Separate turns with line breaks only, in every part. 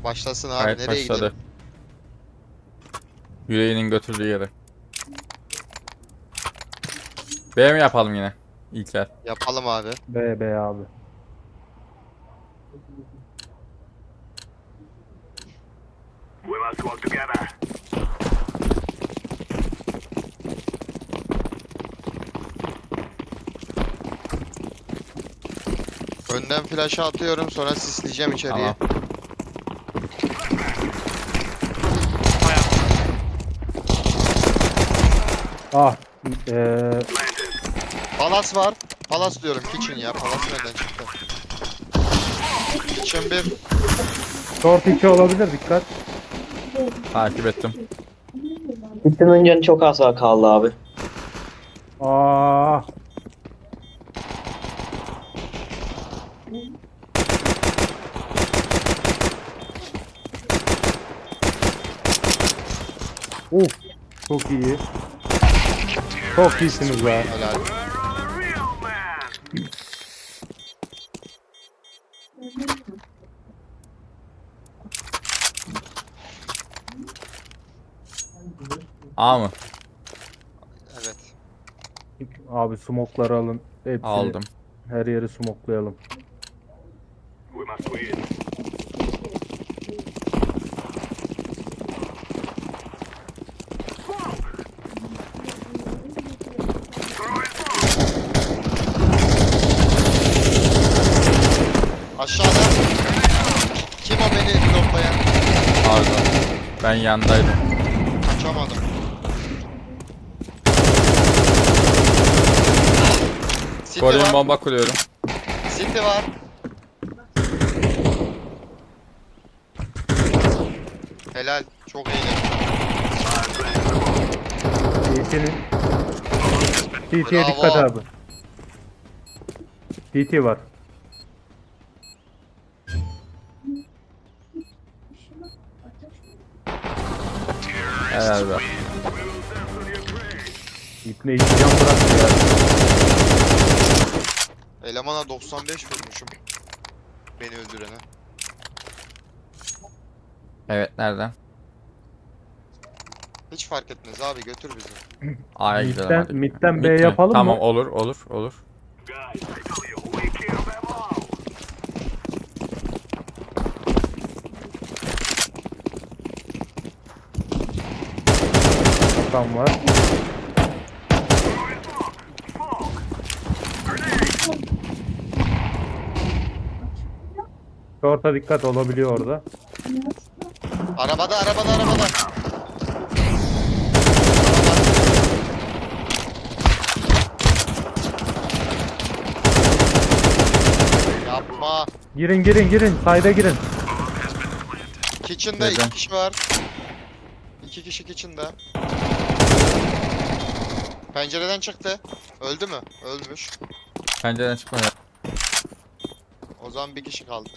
Başlasın abi.
Evet,
Nereye
başladı.
gidelim?
Yüreğinin götürdüğü yere. B mi yapalım yine? İlker.
Yapalım abi.
B abi.
Önden flash'ı atıyorum, sonra sisleyeceğim içeriye.
Tamam.
Ah.
Palas var. Palas diyorum. Kitchen ya. Palas nereden çıktı? Kitchen 1.
Short 2 olabilir, dikkat.
Takip ettim.
Kitchen'ın canı çok az kaldı abi.
Ah. Uf. Çok iyi. Çok iyisiniz be.
Helal.
A mı?
Evet.
Abi smoke'ları alın. Hepsini,
Aldım.
her yeri smoklayalım.
Aşağıda. Kim o beni bloklayan?
Pardon. Ben yandaydım.
Kaçamadım. City
Koruyun,
var.
bomba kuruyorum.
City var. Helal. Çok iyi.
TT'nin. TT'ye
Bravo.
dikkat abi. TT var.
Helal be.
İpne hiç can bıraktı ya.
Elemana 95 vurmuşum. Beni öldürene.
Evet, nereden?
Hiç fark etmez abi, götür bizi.
A'ya gidelim
Mid'den,
hadi.
mid'den B
Mid mi?
yapalım
Tamam,
mı?
olur olur olur.
Tam var. Short'a dikkat olabiliyor orada.
Arabada, arabada, arabada. Yapma.
Girin girin girin. Side'a girin.
Kitchen'da
Neden?
2 kişi var. 2 kişi kitchen'da. Pencereden çıktı. Öldü mü? Ölmüş.
Pencereden çıkma ya.
O zaman bir kişi kaldı.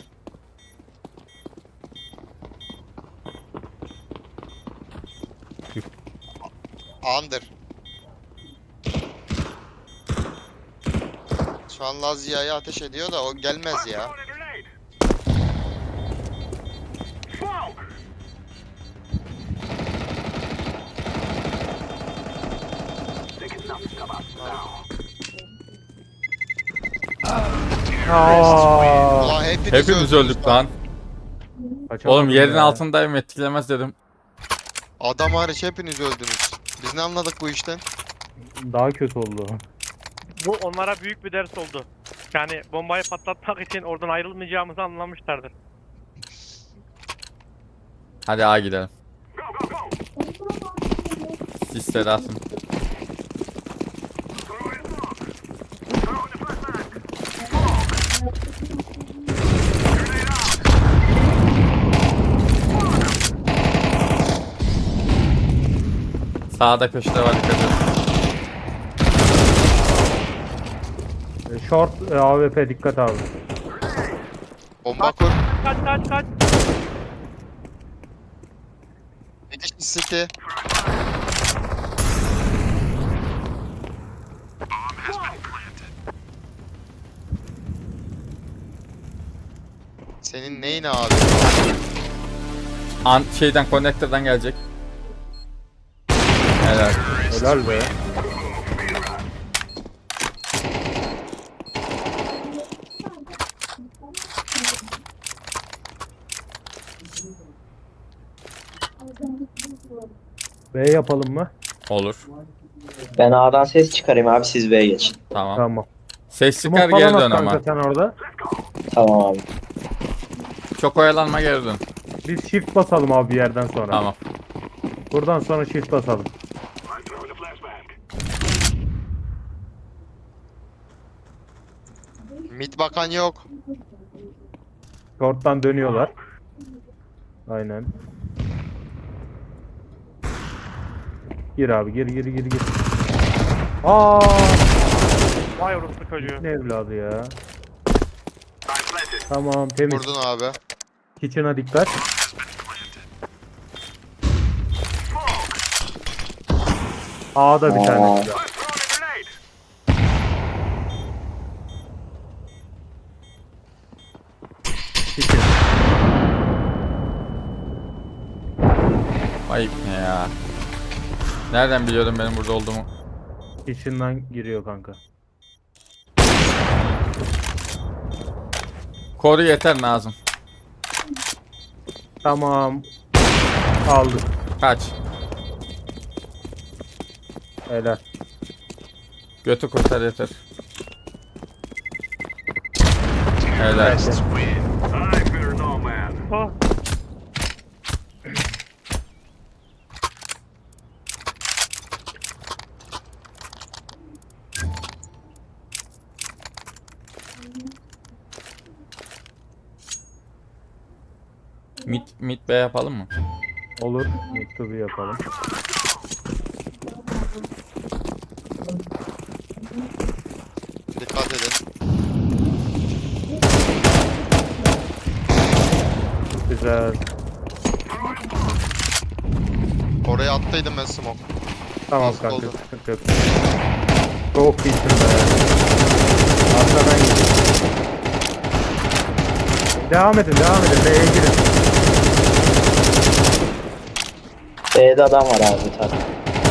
Under. Şu an Lazia'ya ateş ediyor da o gelmez ya.
Aa,
Ulan hepiniz
Hepimiz
öldünüz
öldük lan.
kaçamadım
Oğlum yerin
ya.
altındayım, etkilemez dedim.
Adam hariç hepiniz öldünüz. Biz ne anladık bu işten?
Daha kötü oldu.
Bu onlara büyük bir ders oldu. Yani bombayı patlatmak için oradan ayrılmayacağımızı anlamışlardır.
Hadi A gidelim. Sisleri atın. Sağda köşede var, dikkat edin.
Short AWP dikkat abi.
Bomba kur.
Kaç kaç kaç.
Bir kişi City. Senin neyin abi?
Şeyden connector'dan gelecek. Helal.
Helal be. B yapalım mı?
Olur.
Ben A'dan ses çıkarayım abi, siz B'ye geçin.
Tamam.
Tamam.
Ses çıkar
Smoke
geri
falan
dön
at
ama.
kanka sen orada.
Tamam abi.
Çok oyalanma geri dön.
Biz shift basalım abi bir yerden sonra.
Tamam.
Buradan sonra shift basalım.
Mid bakan yok.
Short'tan dönüyorlar. Aynen. Gir abi gir. Aa,
Vay orospu çocuğu.
ne evladı ya. Tamam temiz.
Vurdun abi.
Kitchen'a dikkat. A'da bir tane.
Aa.
Kitchen.
Ayıp ne ya. Nereden biliyordum benim burada olduğumu?
Kitchen'dan giriyor kanka.
Koru yeter Nazım.
Tamam. Aldık.
Kaç.
Helal.
Götü kurtar yeter. Helal.
Evet.
Oh.
Mid B yapalım mı?
Olur. Mektubu yapalım.
Dikkat edin.
Güzel.
Oraya attıydım ben smoke.
Tamam
Nasıl
kanka.
oldu?
Sıkıntı yok. Çok iyisin be. Arkadan gidin. Devam edin. B'ye girin.
B'de adam var abi bir tane.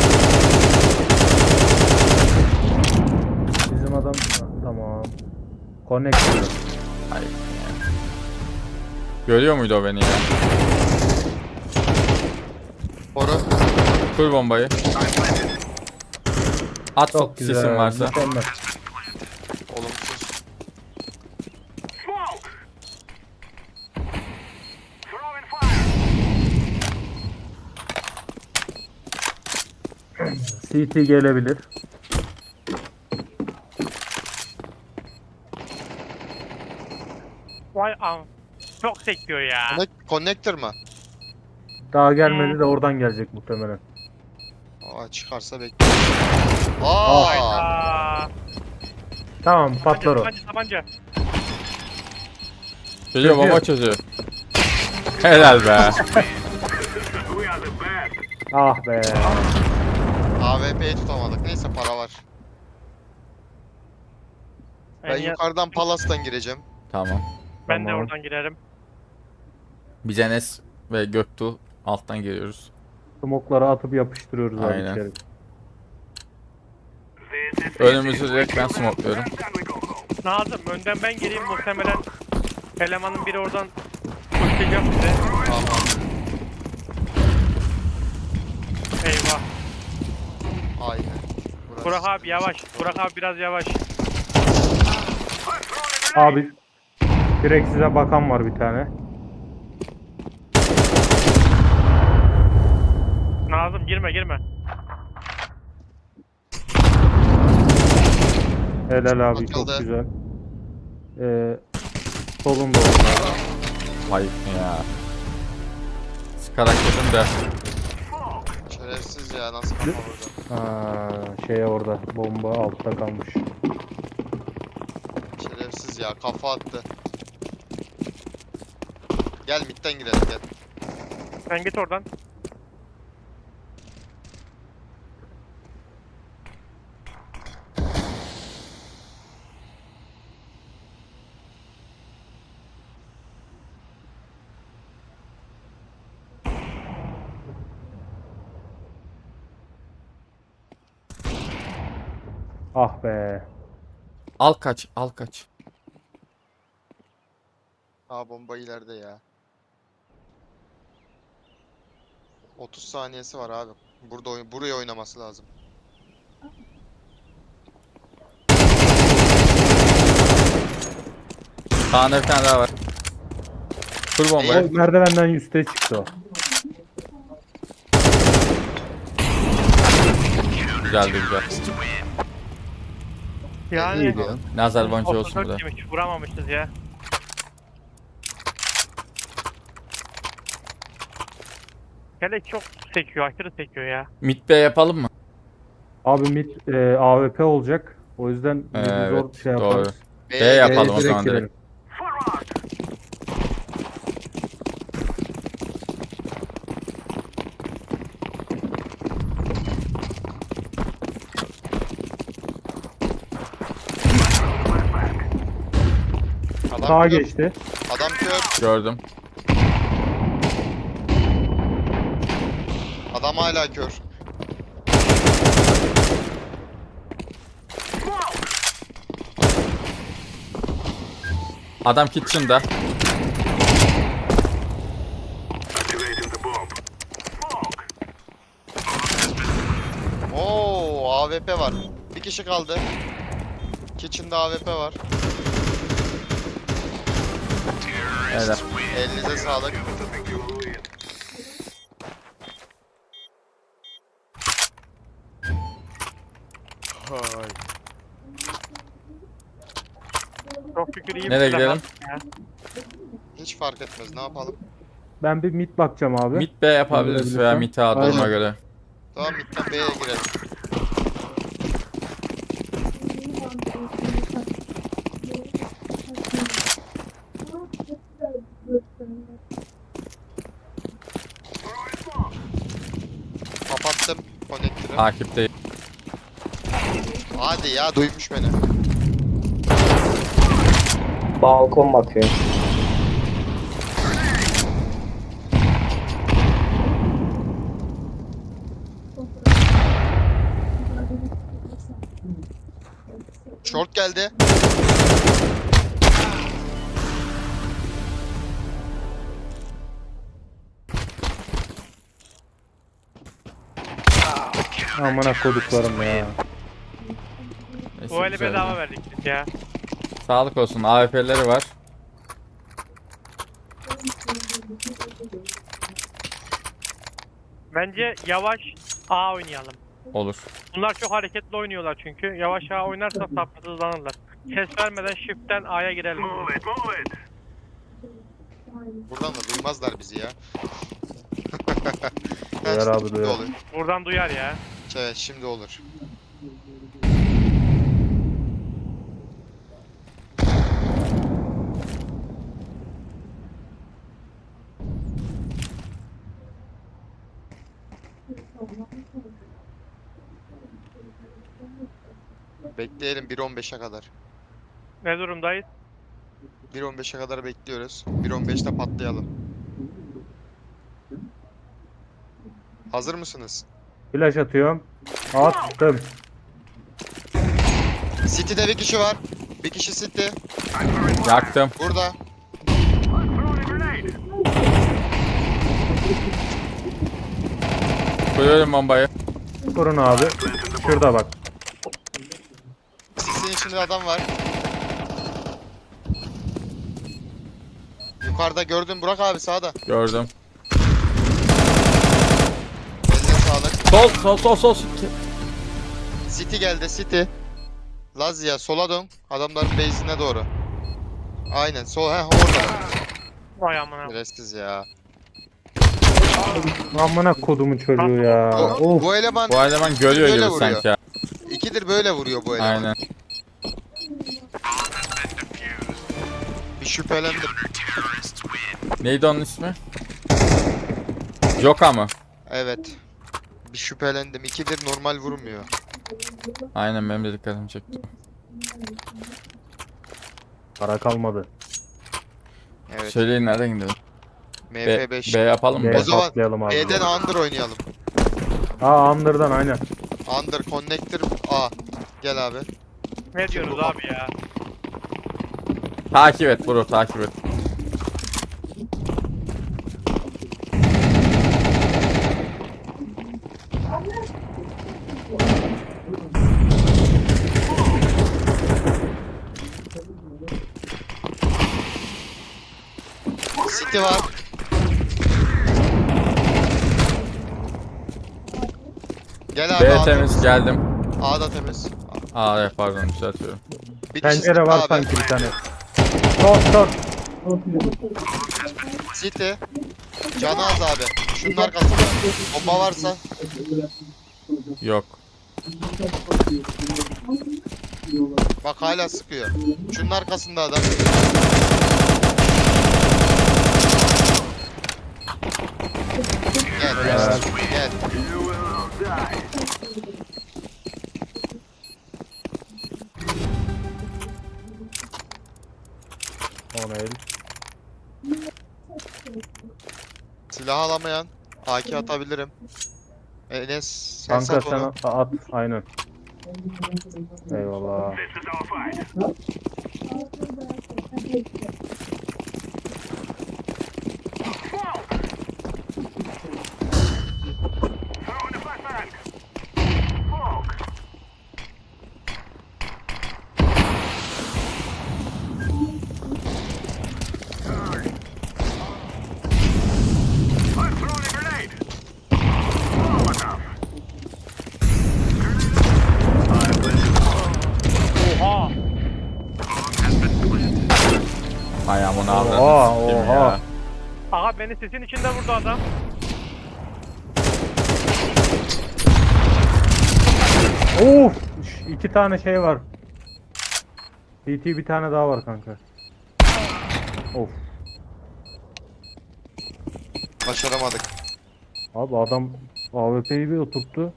Bizim adam tamam. Connect.
Hayır. Görüyor muydu o beni ya?
Koru.
Kur bombayı. At
Çok
sesin
güzel.
varsa.
Mükemmel.
Olumsuz.
CT gelebilir.
Vay am. Çok sekiyor ya.
Connector mı?
Daha gelmedi de oradan gelecek muhtemelen.
Aa, çıkarsa bekliyorum. Aa!
Hayda.
Tamam patlar o.
Tabanca.
Geliyor bomba
Çözüyor.
çözüyor. Helal be.
Ah be.
AWP'yi tutamadık. Neyse para var. Ben yukarıdan Palas'tan gireceğim.
Tamam.
Ben de
Tamam.
oradan girerim.
Biz Enes ve Göktuğ alttan geliyoruz.
Smokları atıp yapıştırıyoruz abi
Aynen.
içeri.
Önümüzü direkt ben smokluyorum.
Nazım önden ben gireyim, muhtemelen elemanın biri oradan koşacak bize.
Tamam.
Eyvah.
Aynen. Burası.
Burak abi yavaş. Burak abi biraz yavaş.
Abi direkt size bakan var bir tane.
Nazım girme.
Helal abi çok
Bakıldı.
güzel. Solunda orada.
Ayıp ne ya. Sıkarak dedim de.
Şerefsiz ya, nasıl kafa burada.
Şeye orada bomba altta kalmış.
Şerefsiz ya, kafa attı. Gel midden girelim gel.
Sen git oradan.
Ah be.
Al kaç, al kaç.
Aa bomba ileride ya. 30 saniyesi var abi. Burada buraya oynaması lazım.
Sağında bir tane daha var. Kur
O
bombayı.
merdivenden üste çıktı o.
Güzeldi güzel.
Yani
İyi diyor.
Nazar boncuğu olsun
34
burada.
yemiş, vuramamışız ya. Kelek çok sekiyor, aşırı sekiyor ya.
Mid B yapalım mı?
Abi mid AWP olacak. O yüzden mid'i zor
Evet,
şey
doğru.
yaparız.
B yapalım o
Direkt
zaman direkt.
girelim.
Adam
Sağa
kör.
geçti.
Adam kör.
Gördüm.
Adam hala kör.
Adam kitchen'da.
Oo AWP var. Bir kişi kaldı. Kitchen'da AWP var.
Evet.
Elinize sağlık. Hay.
Çok şükür iyi bir
Nereye
silah
gidelim?
aldık ya.
Hiç fark etmez. Ne yapalım?
Ben bir mid bakacağım abi.
Mid B yapabiliriz veya mid A duruma
Aynen.
göre.
Tamam midden B'ye girelim. Kapattım konektörü.
Takipteyim.
Hadi ya duymuş beni.
Balkon bakıyor.
Short geldi.
Amına koduklarım ya.
Neyse,
Bu eli
güzeldi.
bedava verdik biz ya.
Sağlık olsun. AWP'leri var.
Bence yavaş A oynayalım.
Olur.
Bunlar çok hareketli oynuyorlar çünkü. Yavaş A oynarsa sapsızlanırlar. Ses vermeden shift'ten A'ya girelim.
Buradan da duymazlar bizi ya.
Duyar abi,
Şimdi
duyar.
olur.
Buradan duyar ya.
Evet şimdi olur. Bekleyelim 1.15'e kadar.
Ne durumdayız?
1.15'e kadar bekliyoruz. 1.15'te patlayalım. Hazır mısınız?
Flash atıyorum. Attım.
City'de bir kişi var. Bir kişi City.
Yaktım.
Burada.
Koyuyorum bombayı.
Kurun abi. Şurada bak.
Sis'in içinde adam var. Yukarıda gördün Burak abi sağda.
Gördüm.
Eline sağlık.
Sol.
City geldi City. Lazia sola dön. Adamların base'ine doğru. Aynen sol orada.
Vay amına.
Neresiz ya.
Amına kodumun çocuğu ya.
Bu,
Of.
bu eleman
Bu eleman görüyor
Böyle
gibi
vuruyor.
sanki ya.
ikidir böyle vuruyor bu eleman.
Aynen.
Bir şüphelendim.
Neydi onun ismi? Joka mı?
Evet. Bir şüphelendim. İkidir normal vurmuyor.
Aynen benim de dikkatimi çekti.
Para kalmadı.
Evet.
Söyleyin nereden gidelim?
MF5.
B yapalım mı?
B
O zaman
patlayalım abi.
B'den under oynayalım.
Aa Under'dan aynen.
Under connector A. Gel abi.
Ne diyorsunuz abi ya?
Takip et bro, takip et.
City var. Gel abi.
B
A
temiz, geldim.
A da temiz.
Aa evet, pardon, düzeltiyorum.
Bir kişi
Pencere
City
var
abi.
sanki bir tane. Short.
City. Canı az abi. Şunun arkasında. Bomba varsa.
Yok.
Bak hala sıkıyor. Şunun arkasında adam. Gel gel. Gel.
O ne el?
Silah alamayan AK atabilirim. Enes sen
Kanka
sat
sen
onu.
at. Aynen. Eyvallah.
Oha!
Ayağımın
Oha,
avradını sikeyim
oha.
ya.
Aha beni sesin içinde vurdu adam.
Of! 2 tane şey var. CT bir tane daha var kanka. Of.
Başaramadık.
Abi adam AWP'yi bir oturttu.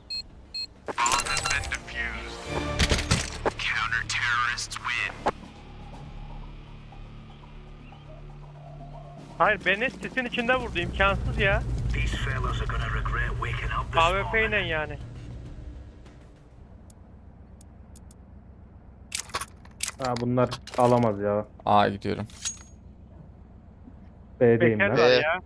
Hayır beni sesin içinde vurdu, imkansız ya. AWP ile yani.
Ha bunlar alamaz ya.
Aa, gidiyorum.
B'deyim ben.
Bekerler ya.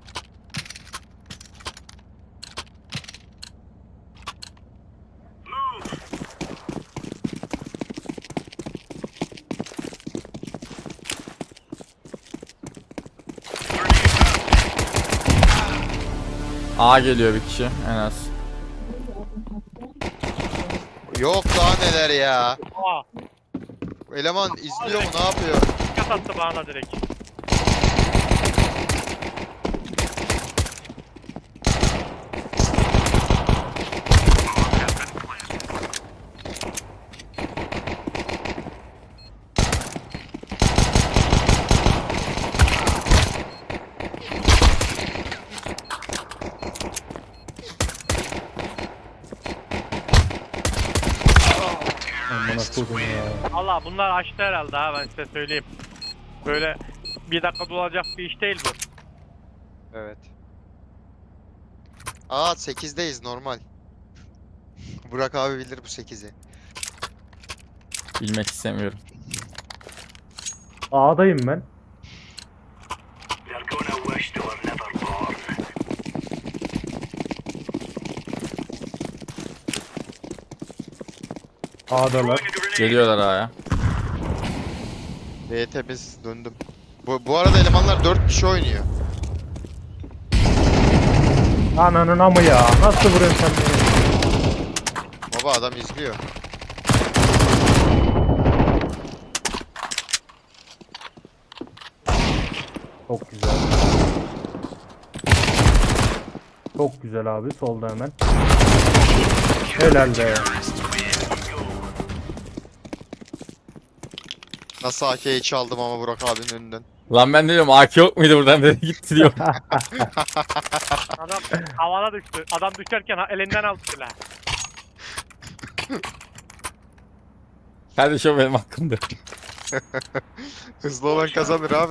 A geliyor bir kişi en az.
Yok daha neler ya.
Oha!
Eleman izliyor mu ne yapıyor?
Dikkat attı bana direkt.
Amına koydum ya.
Allah bunlar açtı herhalde ha, ben size söyleyeyim. Böyle bir dakika dolacak bir iş değil bu.
Evet. Aa 8'deyiz normal. Burak abi bilir bu 8'i.
Bilmek istemiyorum.
A'dayım ben. A'dalar.
Geliyorlar A'ya.
B temiz döndüm. Bu arada elemanlar 4 kişi oynuyor.
Ananın amı ya. Nasıl vuruyorsun sen beni?
Baba adam izliyor.
Çok güzel. Çok güzel abi. Solda hemen. Helal be.
Nasıl AK'yi çaldım ama Burak abinin önünden.
Lan ben diyorum AK yok muydu buradan dedi gitti diyor.
Adam havana düştü. Adam düşerken elinden aldı silah.
Kardeşim o benim hakkımdı.
Hızlı olan kazanır abi.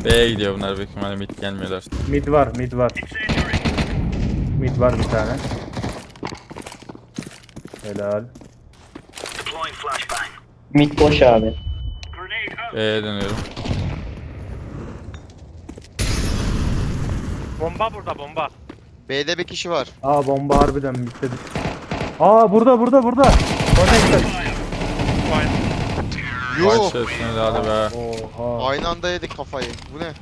B'ye gidiyor bunlar büyük ihtimalle mid gelmiyorlar.
Mid var, mid var. Mid var bir tane. Helal.
Mid boş abi.
B'ye dönüyorum.
Bomba burada bomba.
B'de bir kişi var.
Aa bomba harbiden midde. Aa burada. Connected.
Vay.
Yuh.
Başlasın hadi be.
Oha.
Aynı anda yedik kafayı. Bu ne?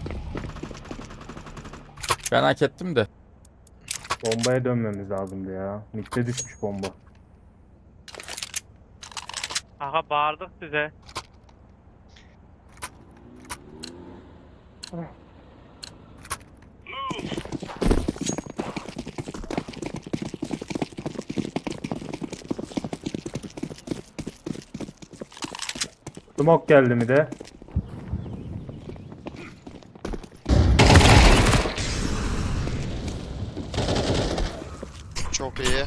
Ben hak ettim de.
Bombaya dönmemiz lazımdı ya. Midde düşmüş bomba.
Aha bağırdık size.
Smoke geldi mi de?
Çok iyi.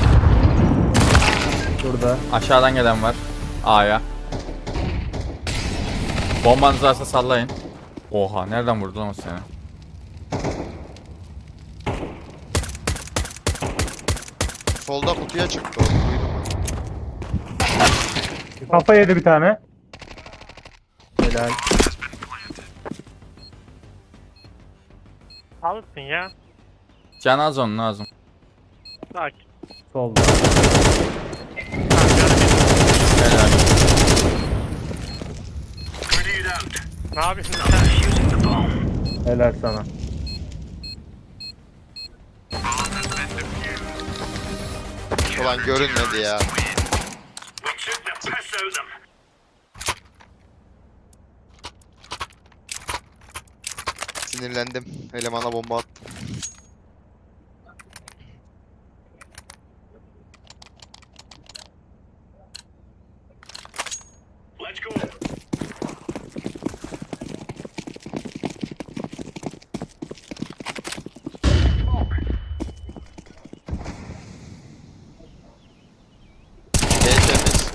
Şurada.
Aşağıdan gelen var. A'ya. Bombanız varsa sallayın. Oha nereden vurdu lan o seni?
Solda kutuya çıktı o. Duydum ben.
Kafa yedi bir tane. Helal.
Alırsın ya.
Can az onun lazım.
Sakin.
Solda.
Tamam, canım.
Helal.
Ne yapıyorsun sen?
Helal sana.
Ulan görünmedi ya. Sinirlendim. Elemana bomba attım. B temiz.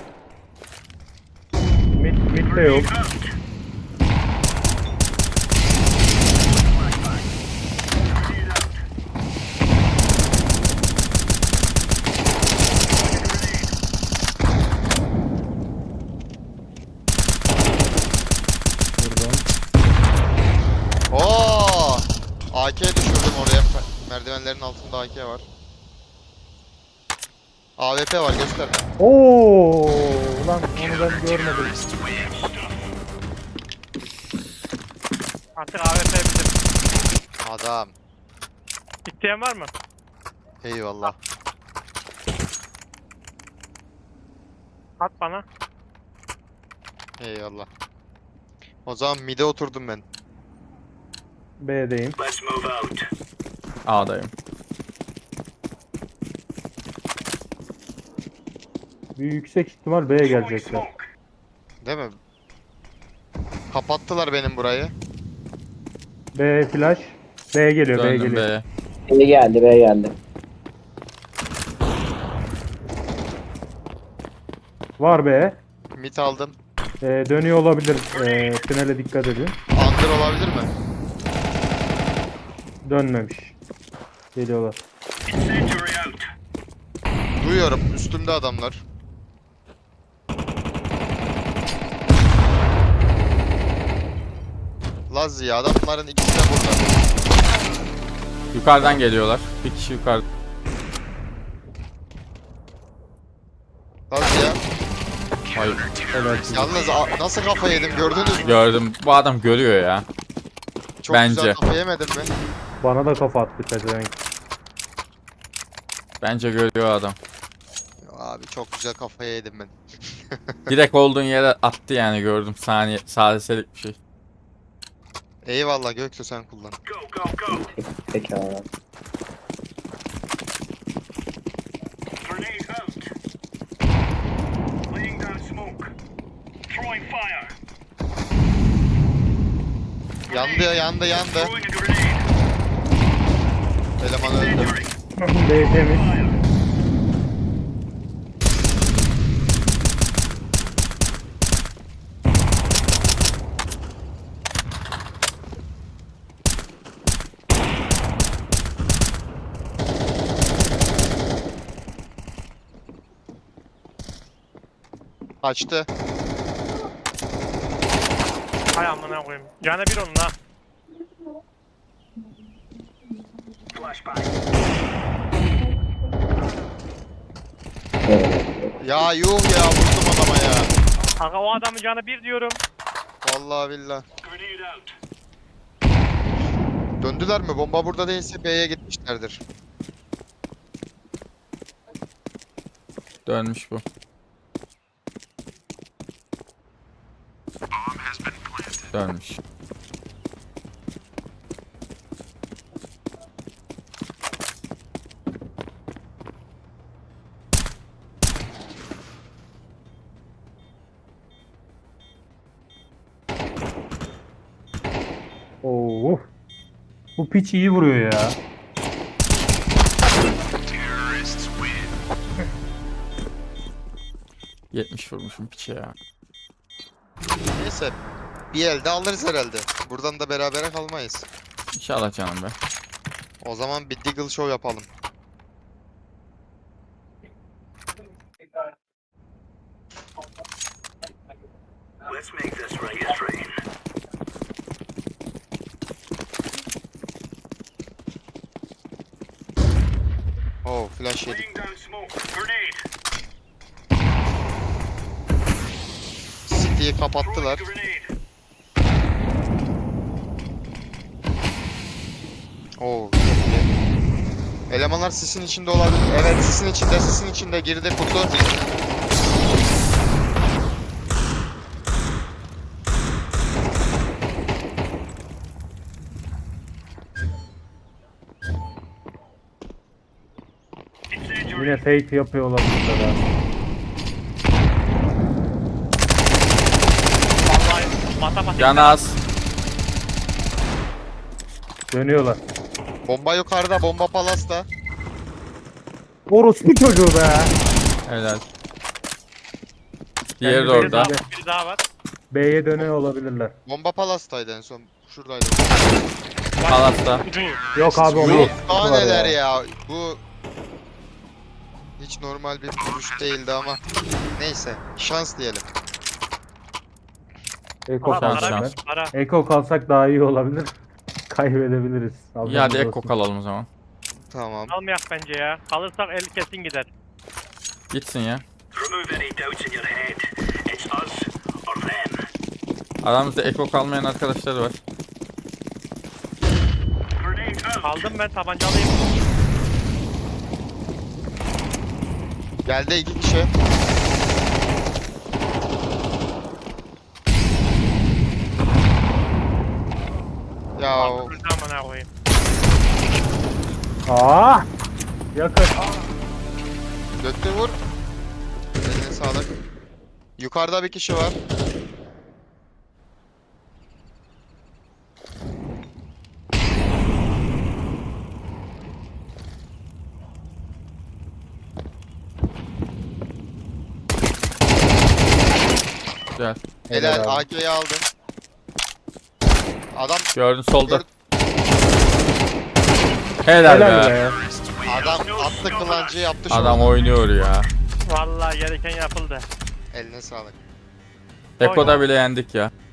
Mid de yok. Vurdum.
Oo! AK düşürdüm oraya. Merdivenlerin altında AK var. AWP var göster.
Oo, ulan onu ben görmedim.
Artık AWP bizim.
Adam.
İsteyen var mı?
Eyvallah.
At bana.
Eyvallah. O zaman mid'e oturdum ben.
B'deyim.
A'dayım.
Bir yüksek ihtimal B'ye gelecekler.
Değil mi? Kapattılar benim burayı.
B flash. B geliyor, B
Döndüm
geliyor.
B'ye.
B geldi, B geldi.
Var B.
Mid aldım.
Dönüyor olabilir. Tünele dikkat edin.
Under olabilir mi?
Dönmemiş. Geliyorlar.
Duyuyorum. Üstümde adamlar. Lazzi ya adamların ikisi de burada.
Yukarıdan geliyorlar. Bir kişi yukarı.
Lazzi ya.
Hayır.
Yalnız nasıl kafa yedim gördünüz mü?
Gördüm. Bu adam görüyor ya.
Çok
Bence.
güzel kafa yemedim mi?
Bana da kafa attı pezevenk.
Bence görüyor adam.
Abi çok güzel kafa yedim ben.
Direkt olduğun yere attı yani gördüm. Saniye. Saliselik bir şey.
Eyvallah Göksu sen kullan.
Peki abi.
Yandı. Eleman öldü.
B temiz.
Kaçtı.
Hay amına koyayım. Canı bir onun ha.
Ya yuh ya, vurdum adama ya.
Kanka o adamın canı bir diyorum.
Vallahi billah. Döndüler mi? Bomba burada değilse B'ye gitmişlerdir.
Dönmüş bu. Dönmüş.
Oo. Bu piç iyi vuruyor ya.
...70 vurmuşum piçe ya.
Neyse. Bir elde alırız herhalde. Buradan da berabere kalmayız.
İnşallah canım be.
O zaman bir Deagle Show yapalım.
Let's make this Vegas rain.
Oh, flash yedik.
Laying down smoke. Grenade.
City'yi kapattılar.
Grenade.
Oo, çok iyi. Elemanlar sisin içinde olabilir. Evet, sisin içinde girdi kutu.
Yine fake yapıyor olabilirler ha.
Vallahi matematik.
Can az.
Dönüyorlar.
Bomba yukarıda, bomba palasta.
Orospu çocuğu be.
Helal. Diğeri de
Kendi
orada.
Biri daha var.
B'ye dönüyor olabilirler.
Bomba palastaydı en son. Şuradaydı.
Palas'ta.
Yok abi o
Yok,
bu.
daha
Var
neler
ya.
ya. Bu hiç normal bir vuruş değildi ama neyse, şans diyelim.
Eko
Ama
Şans,
para,
kalsak
şans.
para.
ben. Eko kalsak daha iyi olabilir. Kaybedebiliriz.
İyi hadi Ekko kalalım o zaman.
Tamam.
Almayak bence ya. Kalırsak el kesin gider.
Gitsin ya.
Remove any doubts in your head. It's us or them.
Aramızda Ekko kalmayan arkadaşları var.
Grenade out.
Aldım ben tabancalıyım.
Geldi 2 kişi. Ya
Amına koyayım.
Aa! Yakın.
döktü, vur. Eline sağlık. Yukarıda bir kişi var.
Güzel.
Helal,
Helal abi.
AK'yi aldım. Adam
Gördün solda.
Gör-
Helal,
Helal
be.
be.
adam attı kılancı, yaptı şu
Adam
an.
oynuyor ya.
Vallahi gereken yapıldı.
Eline sağlık.
Ekko'da bile yendik ya.